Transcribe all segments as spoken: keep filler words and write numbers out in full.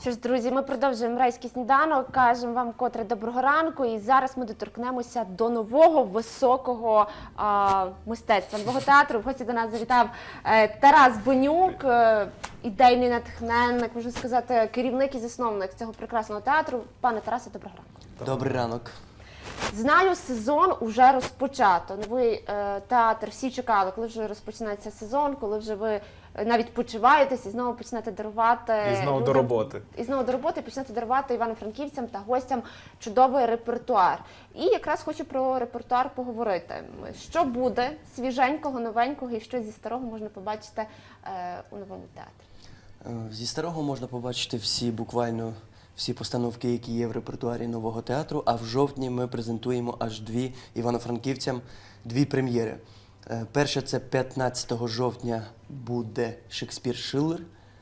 Що ж, друзі, ми продовжуємо «Райський сніданок», кажемо вам котре доброго ранку, і зараз ми доторкнемося до нового високого а, мистецтва, нового театру. В гості до нас завітав е, Тарас Бонюк, е, ідейний натхненник, можна сказати, керівник і засновник цього прекрасного театру. Пане Тарасе, доброго ранку. Добрий ранок. Знаю, сезон уже розпочато. Новий е, театр, всі чекали, коли вже розпочинається сезон, коли вже ви навіть почуваєтесь і знову почнете дарувати І знову людям, до роботи. І знову до роботи почнете дарувати івано-франківцям та гостям чудовий репертуар. І якраз хочу про репертуар поговорити. Що буде свіженького, новенького і що зі старого можна побачити е, у новому театрі? Зі старого можна побачити всі, буквально всі постановки, які є в репертуарі нового театру, а в жовтні ми презентуємо аж дві івано-франківцям, дві прем'єри. Е, Перша – це п'ятнадцятого жовтня буде Шекспір Шиллер.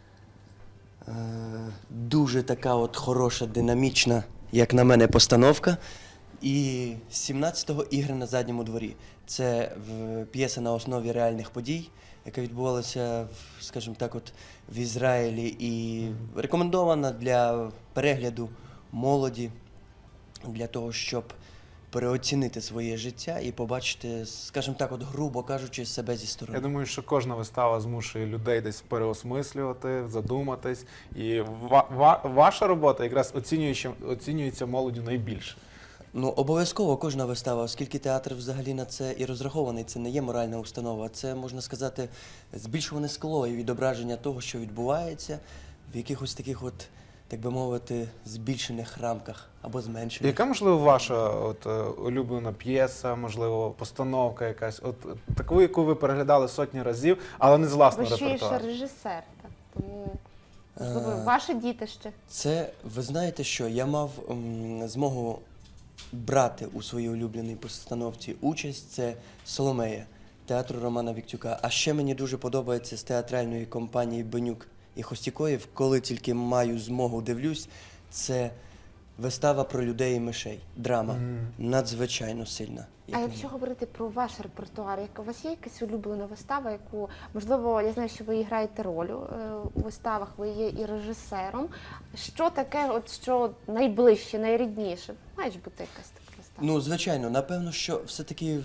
Е, Дуже така от хороша, динамічна, як на мене, постановка. І сімнадцятого ігри на задньому дворі. Це в- п'єса на основі реальних подій, яка відбувалася, в, скажімо так, от в Ізраїлі, і рекомендована для перегляду молоді, для того, щоб переоцінити своє життя і побачити, скажімо так, от грубо кажучи, себе зі сторони. Я думаю, що кожна вистава змушує людей десь переосмислювати, задуматись. І ва ва ваша робота якраз оцінюється, оцінюється молоддю найбільше. Ну, обов'язково кожна вистава, оскільки театр взагалі на це і розрахований. Це не є моральна установа, це, можна сказати, збільшуване скло і відображення того, що відбувається в якихось таких от, так би мовити, збільшених рамках або зменшених. Яка, можливо, ваша от, е, улюблена п'єса, можливо, постановка якась, от таку, яку ви переглядали сотні разів, але не з Ви власного ще й ще репертуару? режисер, так? Тому, можливо, Е, ваше дітище. Це, ви знаєте що, я мав м, змогу брати у своїй улюбленій постановці участь, це «Соломея» театру Романа Віктюка. А ще мені дуже подобається з театральної компанії Бонюк і Хостікоєв, коли тільки маю змогу дивлюсь, це вистава про людей і мишей, драма, Мгм. надзвичайно сильна. А як на якщо мене. говорити про ваш репертуар, як у вас є якась улюблена вистава, яку, можливо, я знаю, що ви граєте роль е, у виставах, ви є і режисером. Що таке, от що найближче, найрідніше? Має ж бути якась така вистава. Ну, звичайно, напевно, що все-таки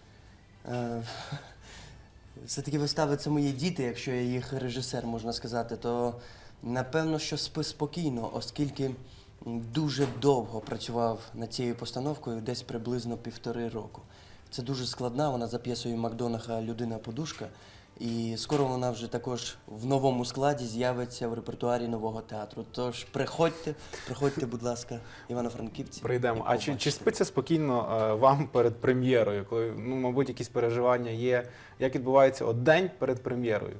е, все-таки вистави це мої діти, якщо я їх режисер, можна сказати, то напевно, що «Спи спокійно», оскільки дуже довго працював над цією постановкою, десь приблизно півтори року. Це дуже складна, вона за п'єсою Макдонаха «Людина-подушка», і скоро вона вже також в новому складі з'явиться в репертуарі нового театру. Тож приходьте, приходьте, будь ласка, івано-франківці. Прийдемо. і А чи, чи побачите. спиться спокійно е, вам перед прем'єрою, коли, ну, мабуть, якісь переживання є? Як відбувається от день перед прем'єрою?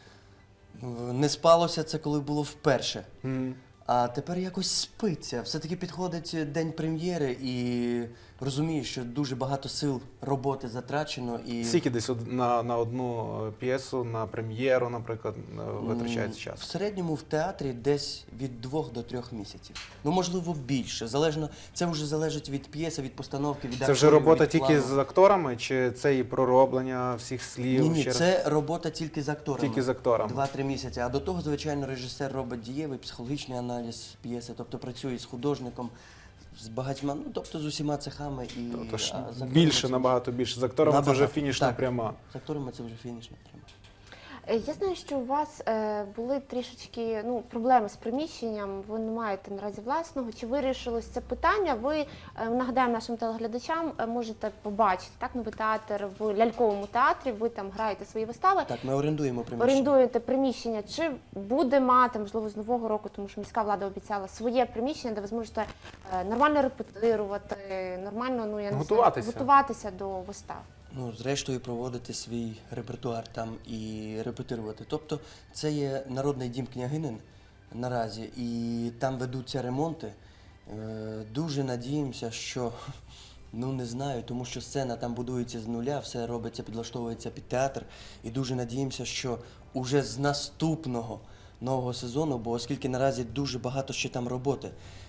Не спалося це, коли було вперше. М. А тепер якось спиться. Все-таки підходить день прем'єри і розумієш, що дуже багато сил роботи затрачено. І Скільки десь од- на, на одну е, п'єсу, на прем'єру, наприклад, е, витрачається М, В час? середньому в театрі десь від двох до трьох місяців. Ну, можливо, більше. Залежно, це вже залежить від п'єси, від постановки, від Це вже акторів, робота від тільки плану. з акторами, чи це і пророблення всіх слів? Ні, ні, ще раз? це робота тільки з акторами. Тільки з акторами. Два-три місяці. А до того, звичайно, режисер робить дієвий психологічний аналіз п'єси, тобто працює з художником, з багатьма, ну тобто з усіма цехами і Тобто ж а, з акторами більше, це набагато більше. З акторами це вже Набагато, фінішна так. пряма. З акторами це вже фінішна пряма. Е, Я знаю, що у вас е, були трішечки ну, проблеми з приміщенням, ви не маєте наразі власного. Чи вирішилось це питання? Ви, е, нагадаємо нашим телеглядачам, е, можете побачити так, новий театр в ляльковому театрі, ви там граєте свої вистави. Так, ми орендуємо приміщення. Орендуєте приміщення, чи буде мати, можливо, з нового року, тому що міська влада обіцяла своє приміщення, де ви зможете е, нормально репетирувати, нормально, ну я не Готуватися. знаю, готуватися до вистав. Ну, зрештою, проводити свій репертуар там і репетирувати. Тобто це є народний дім княгинин наразі, і там ведуться ремонти. Е, Дуже надіємося, що, ну не знаю, тому що сцена там будується з нуля, все робиться, підлаштовується під театр. І дуже надіємося, що уже з наступного нового сезону, бо оскільки наразі дуже багато ще там роботи.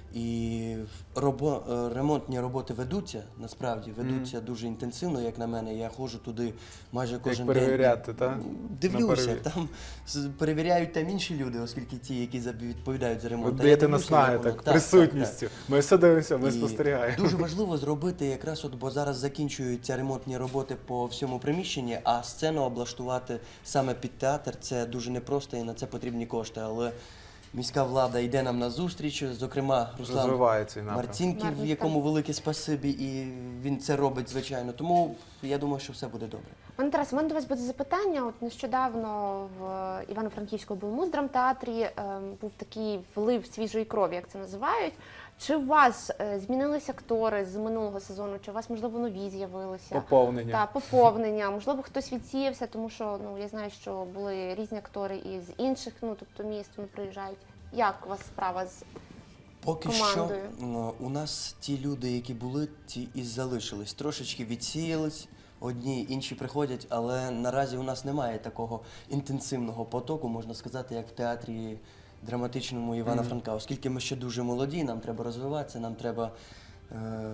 І робо, е, ремонтні роботи ведуться, насправді, ведуться дуже інтенсивно, як на мене. Я ходжу туди майже кожен Як день. перевіряти, так? Дивлюся, На перевір- там з- перевіряють там інші люди, оскільки ті, які за- відповідають за ремонт. Ви А я даєте дивлюся, наснаги як воно. так, Так, присутністю. так, Ми все дивимося, ми І спостерігаємо. Дуже важливо зробити якраз от, бо зараз закінчуються ремонтні роботи по всьому приміщенні, а сцену облаштувати саме під театр це дуже непросто і на це потрібні кошти. Але міська влада йде нам на зустріч, зокрема Руслан Розвиває цей напрям. Марцінків, Марцінків. якому велике спасибі, і він це робить, звичайно. Тому я думаю, що все буде добре. Пане Тарасе, у мене до вас буде запитання. От нещодавно в Івано-Франківському облмуздрамтеатрі ем, був такий влив свіжої крові, як це називають. Чи у вас е, змінилися актори з минулого сезону? Чи у вас, можливо, нові з'явилися? Поповнення. Та, поповнення. Можливо, хтось відсіявся, тому що ну, я знаю, що були різні актори і з інших, ну, тобто міст вони приїжджають. Як у вас справа з Поки командою? що ну, у нас ті люди, які були, ті і залишились. Трошечки відсіялись, одні, інші приходять, але наразі у нас немає такого інтенсивного потоку, можна сказати, як в театрі драматичному Івана Франка. Оскільки ми ще дуже молоді, нам треба розвиватися, нам треба. Е,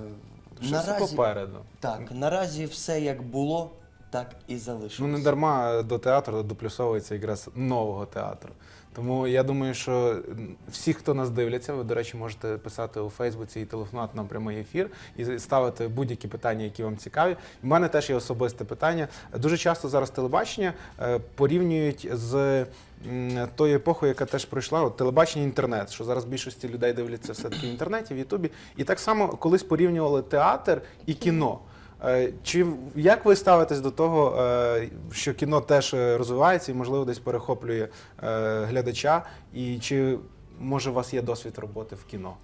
Що все попереду. так, наразі все як було, так і Ну, залишилось. не дарма до театру доплюсовується якраз нового театру. Тому я думаю, що всі, хто нас дивляться, ви, до речі, можете писати у Фейсбуці і телефонувати нам прямий ефір і ставити будь-які питання, які вам цікаві. У мене теж є особисте питання. Дуже часто зараз телебачення е, порівнюють з м, тою епохою, яка теж пройшла, от телебачення, інтернет, що зараз більшості людей дивляться все-таки в інтернеті, в Ютубі. І так само колись порівнювали театр і кіно. Е, Чи як ви ставитесь до того, е, що кіно теж е, розвивається і, можливо, десь перехоплює е, глядача? І чи може у вас є досвід роботи в кіно?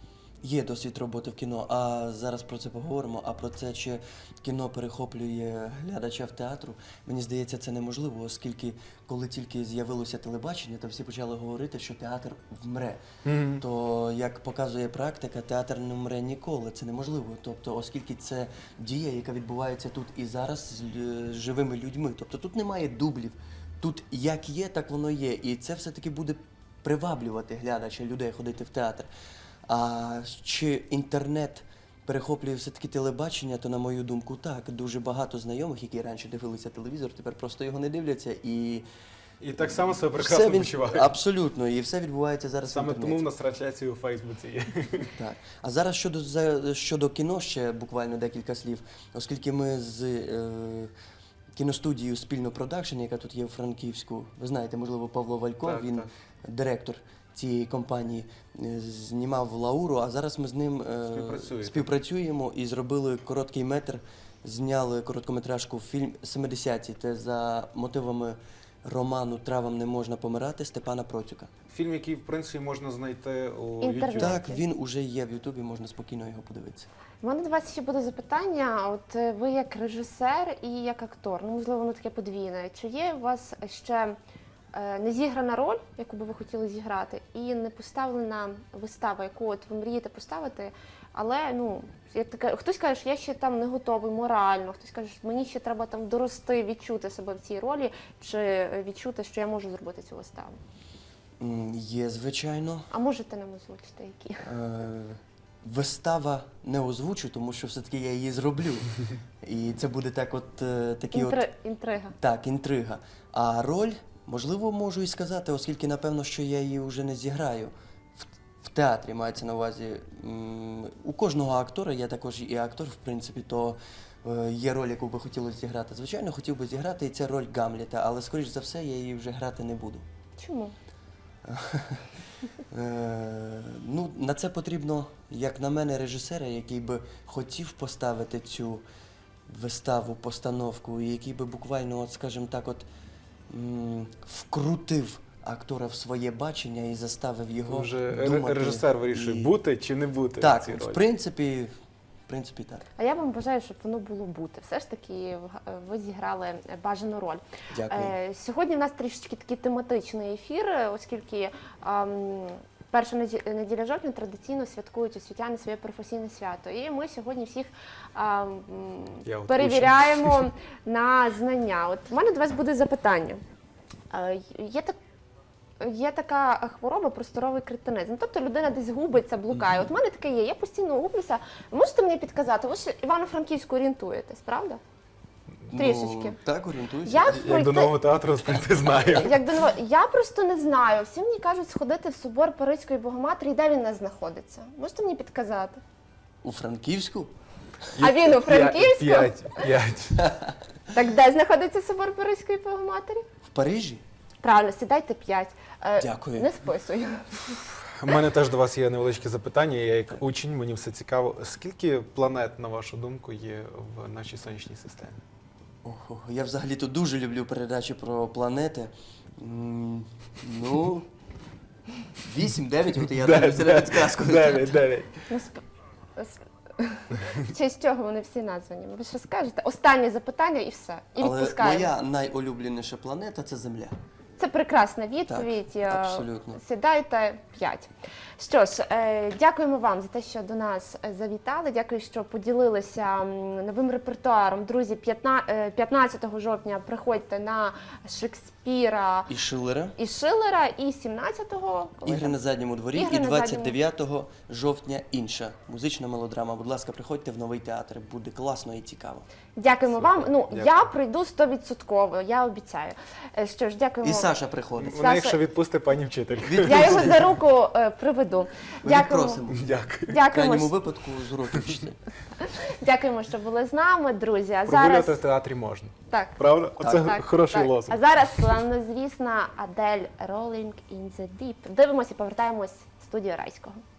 Є досвід роботи в кіно, а зараз про це поговоримо. А про це, чи кіно перехоплює глядача в театру, мені здається, це неможливо, оскільки коли тільки з'явилося телебачення, то всі почали говорити, що театр вмре. Мгм. То, як показує практика, театр не вмре ніколи, це неможливо. Тобто, оскільки це дія, яка відбувається тут і зараз з лю- з живими людьми. Тобто тут немає дублів. Тут як є, так воно є. І це все-таки буде приваблювати глядача, людей ходити в театр. А чи інтернет перехоплює все-таки телебачення, то, на мою думку, так. Дуже багато знайомих, які раніше дивилися телевізор, тепер просто його не дивляться. І І так само себе все прекрасно він- почувають. Абсолютно, і все відбувається зараз в Саме інтернеті. тому в нас трансляції у Фейсбуці є. Так. А зараз щодо, за- щодо кіно ще буквально декілька слів, оскільки ми з е, кіностудією «Спільно продакшн», яка тут є у Франківську, ви знаєте, можливо, Павло Валько, Так, він так. директор цієї компанії, е, знімав Лауру, а зараз ми з ним е, Співпрацюєте. співпрацюємо і зробили короткий метр, зняли короткометражку фільм «семидесяті», це за мотивами роману «Травам не можна помирати» Степана Процюка. Фільм, який, в принципі, можна знайти у Інтернет. YouTube. Так, він уже є в Ютубі, можна спокійно його подивитися. У мене до вас ще буде запитання. От е, ви як режисер і як актор, ну можливо, воно таке подвійне. Чи є у вас ще е, не зіграна роль, яку би ви хотіли зіграти, і не поставлена вистава, яку от ви мрієте поставити, але ну як таке, хтось каже, що я ще там не готовий морально, хтось каже, що мені ще треба там дорости, відчути себе в цій ролі, чи відчути, що я можу зробити цю виставу. М, Є, звичайно. А можете нам озвучити, які? Е, Вистава не озвучу, тому що все-таки я її зроблю. І це буде так от е, такі от Інтри... Інтрига. так, інтрига. А роль, можливо, можу і сказати, оскільки напевно, що я її вже не зіграю. В, в театрі мається на увазі. М, у кожного актора, я також і актор, в принципі, то е, є роль, яку би хотілося зіграти. Звичайно, хотів би зіграти, і це роль Гамлета, але скоріш за все я її вже грати не буду. Чому? Е, ну, на це потрібно, як на мене, режисера, який би хотів поставити цю виставу, постановку, і який би буквально, от, скажімо так, от, м, вкрутив актора в своє бачення і заставив його Вже думати. режисер вирішує, І- бути чи не бути в Так, цій в ролі. принципі, в принципі, так. А я вам бажаю, щоб воно було бути. Все ж таки в- ви зіграли бажану роль. Дякую. Е, Сьогодні в нас трішечки такий тематичний ефір, оскільки ем, перша неді- неділя жовтня традиційно святкують освітяни своє професійне свято. І ми сьогодні всіх ем, Я от перевіряємо на знання. От у мене до вас буде запитання. Е, Є так є така хвороба просторовий кретинизм. Тобто людина десь губиться, блукає. От в мене таке є, я постійно гублюся. Ви можете мені підказати? Ви ж Івано-Франківську орієнтуєтесь, правда? Трішечки. Ну, так, орієнтуюся. Як Як пройти... до нового театру прийти знаю. Як до нового... Я просто не знаю. Всі мені кажуть сходити в собор Паризької Богоматері, де він у нас знаходиться. Можете мені підказати? У Франківську? А він у Франківську? П'ять, п'ять. Так де знаходиться собор Паризької Богоматері? В Парижі? Правильно, сідайте п'ять. Е, Дякую. Не списую. У мене теж до вас є невеличке запитання. Я як учень, мені все цікаво. Скільки планет, на вашу думку, є в нашій сонячній системі? Ого, я взагалі-то дуже люблю передачі про планети. М, Ну, вісім-дев'ять, от я думаю, це на підказку. Дев'ять, дев'ять. Ну, сп... сп- В честь чого вони всі названі? Ви що скажете? Останнє запитання і все. І Але відпускаємо. моя найулюбленіша планета – це Земля. Це прекрасна відповідь. Так, Е, абсолютно. Сідайте п'ять. Що ж, е, дякуємо вам за те, що до нас е, завітали. Дякую, що поділилися м, новим репертуаром. Друзі, п'ятна- е, п'ятнадцятого жовтня приходьте на Шекспіра І Шиллера. і Шиллера, і сімнадцятого коли Ігри там? на задньому дворі. Ігри І на двадцять дев'ятого жовтня інша музична мелодрама. Будь ласка, приходьте в новий театр. Буде класно і цікаво. Дякуємо Супер. вам. Ну, Дякую. я прийду сто відсотків, я обіцяю. Е, Що ж, дякуємо. І Саша приходить. Саша- Вона, якщо відпусти пані вчительку. Я його за руку е, приведу. Дякуємо. Відпросимо. Дякую. В Дякуємо, крайньому що- випадку з уроків вчителя. Дякуємо, що були з нами, друзі. А Прогулювати зараз в театрі можна. так. Правда? Оце Так, хороший так. лозунг. А зараз славнозвісна Адель Rolling in the Deep. Дивимося і повертаємось в студію Райського.